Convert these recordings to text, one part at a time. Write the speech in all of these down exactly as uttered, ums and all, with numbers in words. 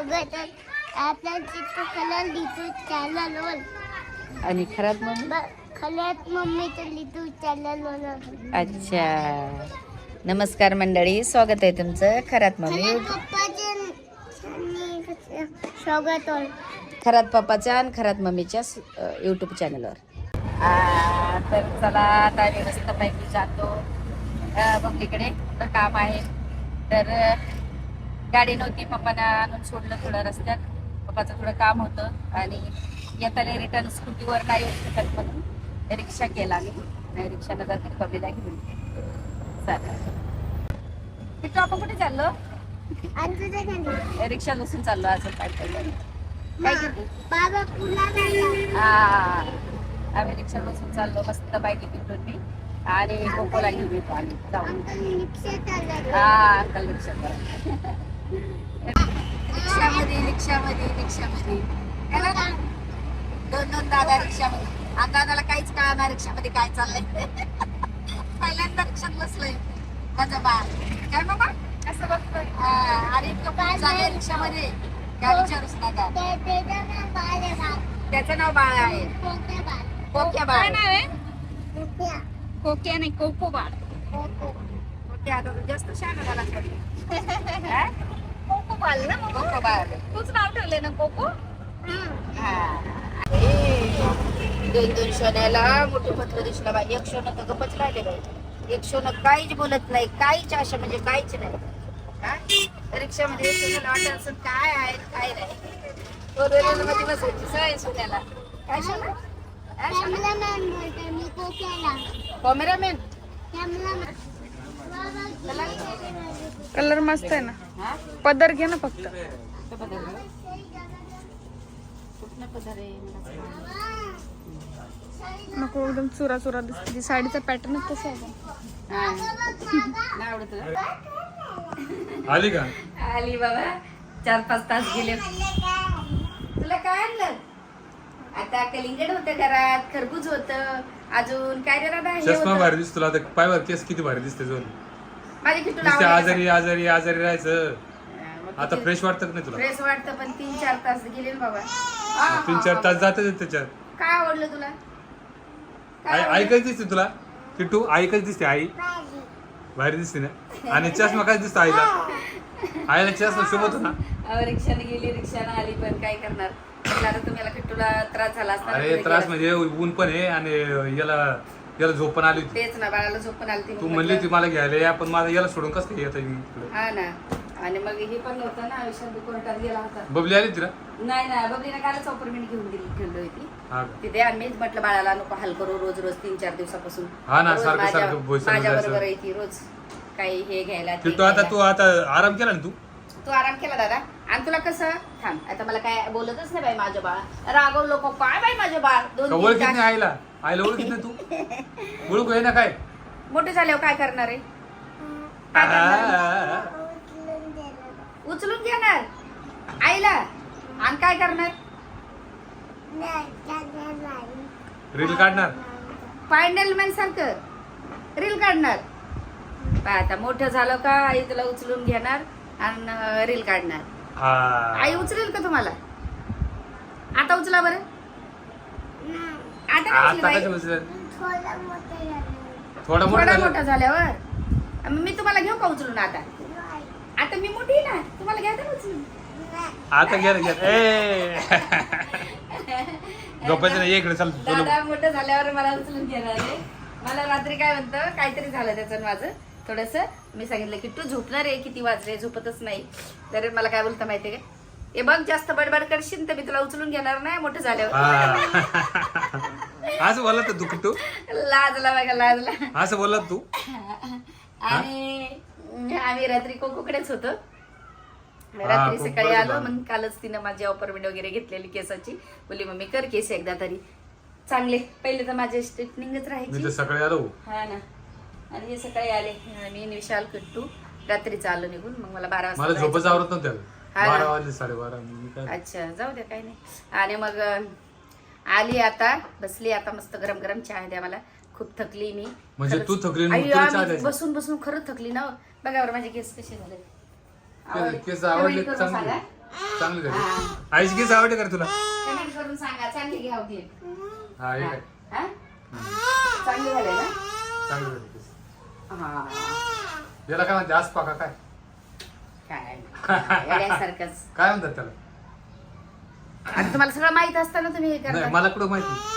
स्वागत आहे आपल्या चित्रकला लिटू चॅनलवर. आणि खरात मम्मी खल्यात मम्मीचं लिटू चॅनलवर. अच्छा, नमस्कार मंडळी, स्वागत आहे तुमचं खरात मम्मी पप्पाचे स्वागत आहे खरात पप्पाच्या आणि खरात मम्मीच्या यूट्यूब चॅनलवर. तर चला आता आम्ही मस्तपैकी जातो मम्मीकडे, काम आहे तर गाडी नव्हती, पप्पाने आणून सोडलं थोडं रस्त्यात, पप्पाचं थोडं काम होतं आणि येताना रिटर्न स्कूटीवर नाही येऊ शकत म्हणून रिक्षा केला मी, नाही रिक्षानं जाते बबलीला घेऊन. चालेल, तिथं आपण कुठे चाललो? रिक्षा बसून चाललो अजून काय चाललं काय घेते बाबा पुन्हा हा आम्ही रिक्षा बसून चाललो मस्त बाईक फिरून मी आणि कोकोला घेऊन येतो आम्ही जाऊन. हा अंकल रिक्षा रिक्षामध्ये रिक्षामध्ये रिक्षामध्ये दोन दोन दादा रिक्षामध्ये आणि दादाला काहीच कळणार रिक्षामध्ये काय चाललंय. पहिल्यांदा रिक्षात बसलोय माझा बाळ, काय बाबा कसं बघतोय आणि चाललंय रिक्षामध्ये काय विचारूच नका. त्याचं नाव बाळ आहे, कोक्या बाळ नाव आहे, कोक्या नाही कोको बाळ. कोक्या आता जास्त शहाणा झाला कोको बाळ ना, कोको बाळ तूच नाव ठेवलंय ना कोको. दोन दोन सोन्याला मोठे पत्र दिसला बाई, एक सोनं तर गपच राहिले बाई, एक सोनं काहीच बोलत नाही, काहीच अशा म्हणजे काहीच नाही. रिक्षामध्ये सोन्याला वाटत असं काय आहे काय नाही, मध्ये बसायची सवय सोन्याला. काय सोनं कॅमेरामॅन कलर मस्त आहे ना, पदर घे ना फक्त. नको एकदम चुरा चुरा दिसते, साडीचा पॅटर्न तसा आहे. आली का? आली बाबा, चार पाच तास गेले. तुला काय आणलं? आता कलिंगड होतं घरात, खरबूज होतं, अजून काय रे दादा चष्मा भारी दिसतो तुला, आता पाय वर केस किती भारी दिसते जोन. माझी किती नुसते आजारी आजारी आजारी राहायचं, आता फ्रेश वाटतं नाही तुला? फ्रेश वाटतं पण तीन चार तास गेले ना बाबा. तीन चार तास जातच त्याच्यात. काय आवडलं तुला? आई आई कशी दिसते तुला किट्टू? आई कशी दिसते? आई भारी दिसते ना. आणि चष्मा कसा दिसतो आईला? आईला चष्मा शोभत ना. रिक्षाने गेली, रिक्षाने आली, पण काय करणार, तुम्हाला किट्टूला त्रास झाला असता. अरे त्रास म्हणजे ऊन पण आहे आणि याला याला झोप पण आली होती. तेच ना, बाळाला झोप पण आली. तू म्हणली होती मला घ्यायला या, पण माझा याला सोडून कसं येत? हा ना, आणि मग हे पण होतं ना, विशाल कोर्टात गेला होता. बबली आली तिला? नाही ना, बबलीने कालच अपॉइंटमेंट घेऊन दिली घेऊन होती हा तिथे. आणि मीच म्हटलं बाळाला नको हाल करू रोज रोज, तीन चार दिवसापासून हा ना, सारखं सारखं माझ्या बरोबर येते रोज काही हे घ्यायला. तू आता तू आता आराम केला ना तू? तू आराम केला दादा. आणि तुला कसं थांब, आता मला काय बोलतच नाही बाई माझं बाळ, रागव लोक काय बाई माझं बाळ. दोन ओळखीत नाही आईला? आईला ओळखीत नाही तू? ओळखू आहे ना काय? मोठे झाल्यावर काय करणार आहे? उचलून घेणार आईला आणि काय करणार? रील काढणार, फायनल मॅन सारखं रील काढणार. आता मोठं झालं का आई तुला उचलून घेणार आणि रील काढणार. आई उचलेल का तुम्हाला? आता उचला बरं. आता थोडा मोठा मोठा झाल्यावर मी तुम्हाला घेऊ का उचलून? आता आता मी मोठी ना, तुम्हाला घ्या तर उचलून. आता घ्या घ्या ए गप्पाचं नाही, इकडे चल. दादा मोठं झाल्यावर मला उचलून घेणार आहे. मला रात्री काय म्हणतं, काहीतरी झालं त्याचं माझं थोडस. मी सांगितलं की तू झोपणार आहे, किती वाजले, झोपतच नाही. तर मला काय बोलतं माहितीये का, हे बघ जास्त बडबड करशील तर मी तुला उचलून घेणार नाही मोठं झाल्यावर. असं बोलत तू किट्टू? लाजला बघा, लाजला. असं बोलत तू? आणि आम्ही रात्री कोकोकडेच होतो. रात्री सकाळी आलो, मग कालच तिनं माझी अपॉइंटमेंट वगैरे घेतलेली केसाची. बोलली मम्मी कर केस एकदा तरी चांगले. पहिले तर माझे स्ट्रेटनिंगच राहायची. सकाळी आलो हा ना, आणि हे सकाळी आले. मी विशाल किट्टू रात्रीच आलो निघून. मग मला बारा वाजता मला झोपच आवरत नव्हतं. बारा वाजले, साडेबारा. अच्छा, जाऊ द्या काही नाही. आणि मग आली, आता बसली, आता मस्त गरम गरम चहा द्या मला. खूप थकली मी. म्हणजे तू थकली? बसून बसून खरंच थकली ना. बघा बरं माझे केस कसे झाले. केस आवडले सांगा चांगली झाली. आईची केस आवडते का तुला? कमेंट करून सांगा चांगली घ्या होती. हा हे काय हा? चांगली झाले ना? चांगली झाली केस. हा याला काय म्हणते आज पाका काय काय येड्यासारखंच. काय म्हणतात त्याला? आता तुम्हाला सगळं माहित असताना तुम्ही हे नाही करता. मला कुठं माहिती.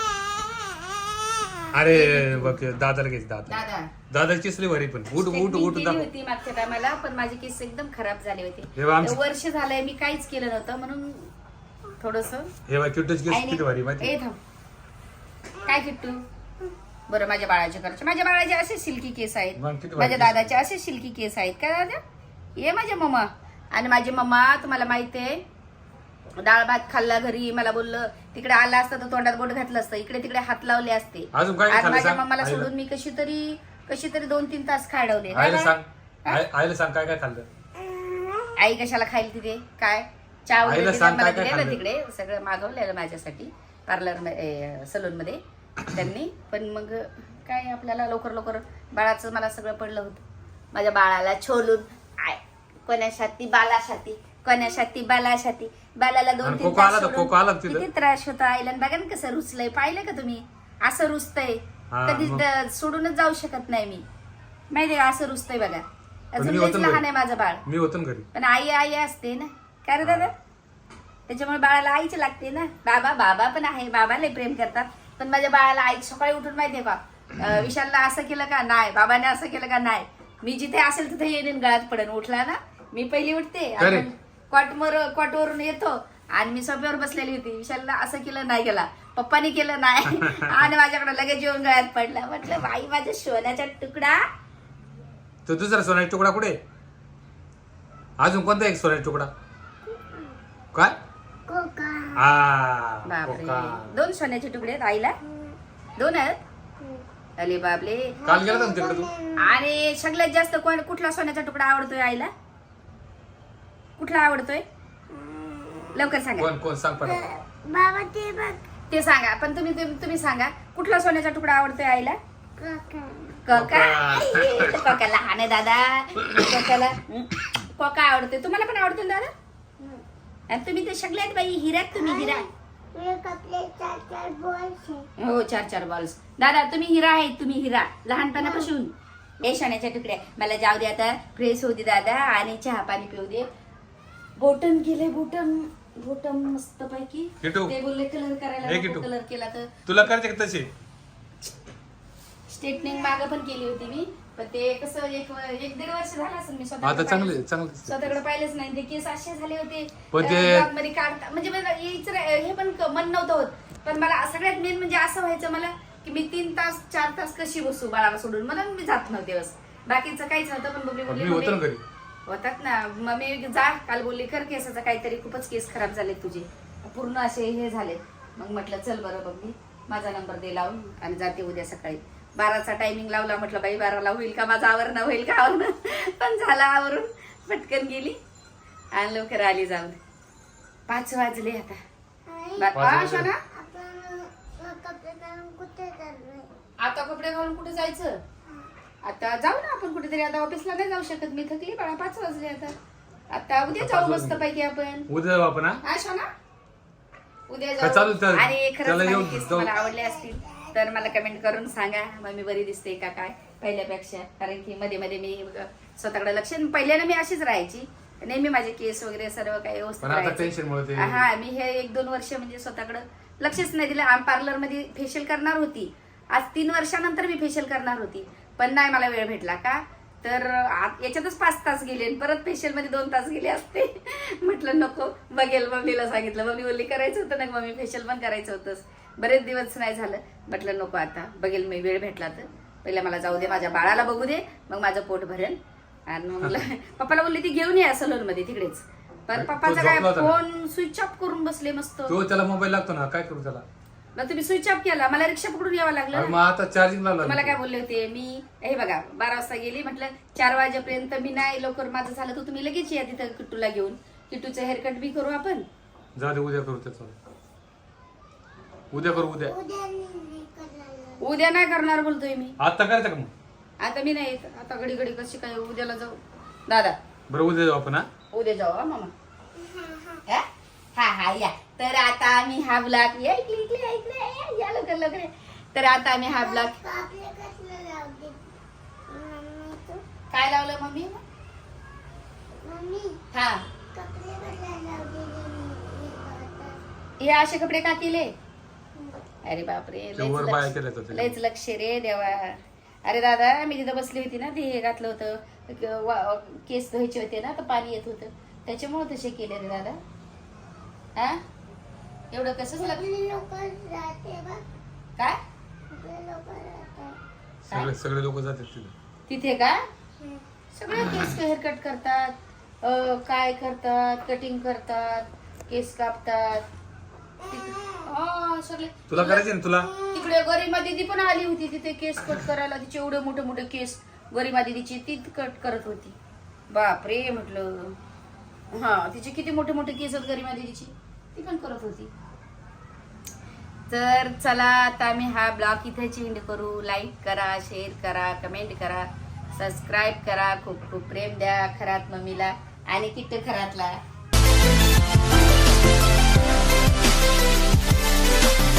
अरे बघ दादाला घ्यायची दादा दादा दादाची केस लई भारी पण उठ उठ Straightening उठ केली दाखव. होती मागच्या टायमाला पण माझे केस एकदम खराब झाले होते. हे बघ आमची- वर्ष झालंय मी काहीच केलं नव्हतं म्हणून थोडस हे बघ किट्टूची केस किती भारी माहिती. ए थांब काय किट्टू बरं माझ्या बाळाचे करचे माझ्या बाळाचे असे सिल्की केस आहेत. मग किती भारी माझ्या केस. दादाचे असे सिल्की केस आहेत का दादा. ये माझ्या मम्मा आणि माझी मम्मा तुम्हाला माहिती आहे डाळ भात खाल्ला घरी मला बोललं तिकडे आला असतं तर तोंडात बोट घातलं असतं इकडे तिकडे हात लावले असते. अजून काय आज खाल्लं माझ्या सांग मम्माला आईला. सोडून मी कशी तरी कशी तरी दोन तीन तास खाडवले. आईला सांग आई- आईला सांग काय काय खाल्लं. आई कशाला खाईल तिथे काय चहा वगैरे आईला तिला सांग मला काय काय दिलेलं खाल्लं. तिकडे सगळं मागवलेलं माझ्यासाठी पार्लर सलून मध्ये त्यांनी पण मग काय आपल्याला लवकर लवकर बाळाचं मला सगळं पडलं होतं माझ्या बाळाला छोलून आय कोणासाठी बालासाठी कोणासाठी बालासाठी बालाला दोन आणि तीन कोको आला तास तर सोडून कोको आला का तिथं? किती त्रास होता आईला बघा ना कसं रुचलंय पाहिलं का तुम्ही असं रुचतंय हा, कधी मग. द- सोडूनच जाऊ शकत नाही मी माहितीये का असं रुचतंय बघा पण अजून मी लयच होतो ना लहान घरी. आहे माझं बाळ मी होतो ना घरी. पण आई आई असते ना काय रे दादा त्याच्यामुळे बाळाला आईच लागते ना बाबा बाबा पण आहे बाबाला प्रेम करतात पण माझ्या बाळाला आई सकाळी उठून माहितीये का अं, विशालला असं केलं का नाही बाबाने असं केलं का नाही मी जिथे असेल तिथे येईन गळ्यात पडन उठला ना मी पहिली उठते अरे. आपण कॉटवर कॉटवरून येतो आणि मी सोफ्यावर बसलेली होती विशालला असं केलं नाही केला पप्पानी केलं नाही आणि माझ्याकडे लगेच येऊन गळ्यात पडला म्हटलं बाई माझ्या सोन्याचा तुकडा तो दुसरा सोन्याचा तुकडा कुठे? अजून कोणता एक सोन्याचा तुकडा काय? कोका हा बापरे कोका. दोन सोन्याचे तुकडे आहेत आईला दोन आहेत अरे बापले काल गेला ना तिकडे तू. आणि सगळ्यात जास्त कोण कुठला सोन्याचा तुकडा आवडतोय आईला कुठला आवडतोय लवकर सांगा कोण कोण सांग पण. बाबा ते बघ ते सांगा पण तुम्ही तुम्ही तुम्ही सांगा कुठला सोन्याचा तुकडा आवडतोय आईला कोका कोका कोका लहान आहे दादा कोकाला हं? कोका आवडतोय तुम्हाला पण आवडतोय ना दादा आणि तुम्ही ते सगळ्यात बाई हिऱ्यात तुम्ही हिरा एक आपले चार चार बॉल्स आहे हो चार चार बॉल्स दादा तुम्ही हिरा आहेत तुम्ही हिरा लहानपणापासून ए सोन्याच्या तुकड्या मला जाऊ दे आता फ्रेश होऊ दे दादा आणि चहा पाणी पिऊ दे बोटन गेले बोटन बोटन मस्त पैकी किटू. ते बोलले कलर हे करायला किटू. कलर केला तर तुला करायचे का तसे? स्ट्रेटनिंग मागं पण केली होती मी पण ते कसं एक एक दीड वर्ष झालं असेल मी आता स्वतः चांगले चांगले स्वतःकडे पाहिलेच नाही ते केस असे झाले होते पण ते- अं, vlog मध्ये काढता म्हणजे मला यायचं रे- हे पण क- मन नव्हतं होत पण मला सगळ्यात मेन म्हणजे असं व्हायचं मला की मी तीन तास चार तास कशी बसू बाळाला सोडून म्हणून मी जात नव्हते बस बाकीचं काहीच नव्हतं पण बबली पण बोलली मी होतो ना "मम्मी, घरी. होतात ना मग मी जा काल बोलली कर केसाचं काहीतरी खूपच केस खराब झाले तुझे पूर्ण असे हे झाले मग म्हटलं चल बरं बबली माझा नंबर दे लावून आणि जाते उद्या सकाळी बाराचा टायमिंग लावला म्हटलं बाई बाराला होईल का माझं आवरणं होईल का आवरणं पण झालं आवरून पटकन गेली आणि लवकर आली जाऊन पाच वाजले आता बा- पाच हा, वाजले. शोना? आपण कपडे घालून कुठे चाललोय आता कपडे घालून कुठे जायचं आता जाऊ ना आपण कुठेतरी आता ऑफिसला नाही जाऊ शकत मी थकली बाळा पाच वाजले आता आता उद्या पाच जाऊ वाजले. मस्त पैकी आपण उद्या जाऊ आपण हा? हा शोना उद्या काय चालू जाऊ चालू? आणि खरंच त्याला माझे येऊन केस जाऊ. तुम्हाला आवडले असतील तर मला कमेंट करून सांगा मग मी बरी दिसते का काय पहिल्यापेक्षा कारण की मध्ये मध्ये मी स्वतःकडे लक्ष पहिल्यानं मी अशीच राहायची नेहमी माझे केस वगैरे सर्व काही व्यवस्थित पण आता राहायचं. टेन्शन मुळे ते हा मी हे एक दोन वर्ष म्हणजे स्वतःकडे लक्षच नाही दिलं पार्लर मध्ये फेशियल करणार होती आज तीन वर्षानंतर मी फेशियल करणार होती पण नाही मला वेळ भेटला का तर आ- याच्यातच पाच तास गेले आणि परत फेशियल मध्ये दोन तास गेले असते म्हटलं नको बघेल मम्मीला सांगितलं मम्मी बोलली करायचं होतं ना मम्मी फेशियल पण करायचं होतं बरेच दिवस नाही झालं म्हटलं नको आता बघेल मी वेळ भेटला तर पहिला मला जाऊ दे माझ्या बाळाला बघू दे मग माझं पोट भरेल आणि मग मला पप्पाला बोलली ती घेऊन या सलून मध्ये तिकडेच पण तो पप्पाचा काय झोपला होता ना? फोन स्विच ऑफ करून बसले मस्त तो त्याला मोबाईल लागतो ना काय करू त्याला? मग तुम्ही स्विच ऑफ केला मला रिक्षा पकडून यावं लागलं अरे ना. मग आता चार्जिंग लावला तुम्हाला काय बोलले होते मी हे बघा बारा वाजता गेली म्हटलं चार वाजेपर्यंत मी नाही लवकर माझं झालं तर तुम्ही लगेच या तिथं किट्टूला घेऊन किट्टूचं हेअरकट बी करू आपण जाऊ दे उद्या करू त्याचं उद्या करू उद्या उद्या नाही करायला उद्या नाही करणार बोलतोय मी आता करायचं का मग? आता मी नाही येत आता घडी घडी कशी काय उद्याला जाऊ दादा बरं उद्या जाऊ आपण हा उद्या जाऊ हा मामा हा हा हा या. तर आता आम्ही हा ब्लॉग या इकडे इकडे इकडे या, या लवकर लवकर. तर आता आम्ही हा ब्लॉग कापले कसलं लावते मम्मी तू काय लावलं मम्मी? मम्मी हा कपडे कसलं लावते हे असे कपडे का केले? अरे बापरे, ते वर लयच बाया लक्ष केल्या होत्या. लयच लक्ष रे देवा. अरे दादा मी तिथं बसली होती ना, ते हे घातलं होतं क- वा- केस धुवायचे होते ना, तर पाणी येत होतं त्याच्यामुळे तसे केले रे दादा. हा एवढं कसंच लक्ष आपले लोक राहते बघ काय आपले लोक राहतात सगळे सगळे लोक जातात तिथे. तिथे का सगळे केस हेअरकट करतात, अं, काय करतात, कटिंग करतात, केस कापतात. तिथे- हा, सगळे तुला करायचे ना तुला? तिकडे गरिमा दीदी पण आली होती तिथे केस कट करायला. तिचे एवढे मोठे मोठे केस गरिमा दीदीची ती कट करत होती. बापरे म्हटलं, हा तिचे किती मोठे मोठे केस आहेत गरिमा दीदीची, ती पण करत होती. तर चला आता आम्ही हा ब्लॉग इथे चेंज करू. लाईक करा, शेअर करा, कमेंट करा, सबस्क्राईब करा, खूप खूप प्रेम द्या खरात मम्मीला आणि किट्ट खरातला.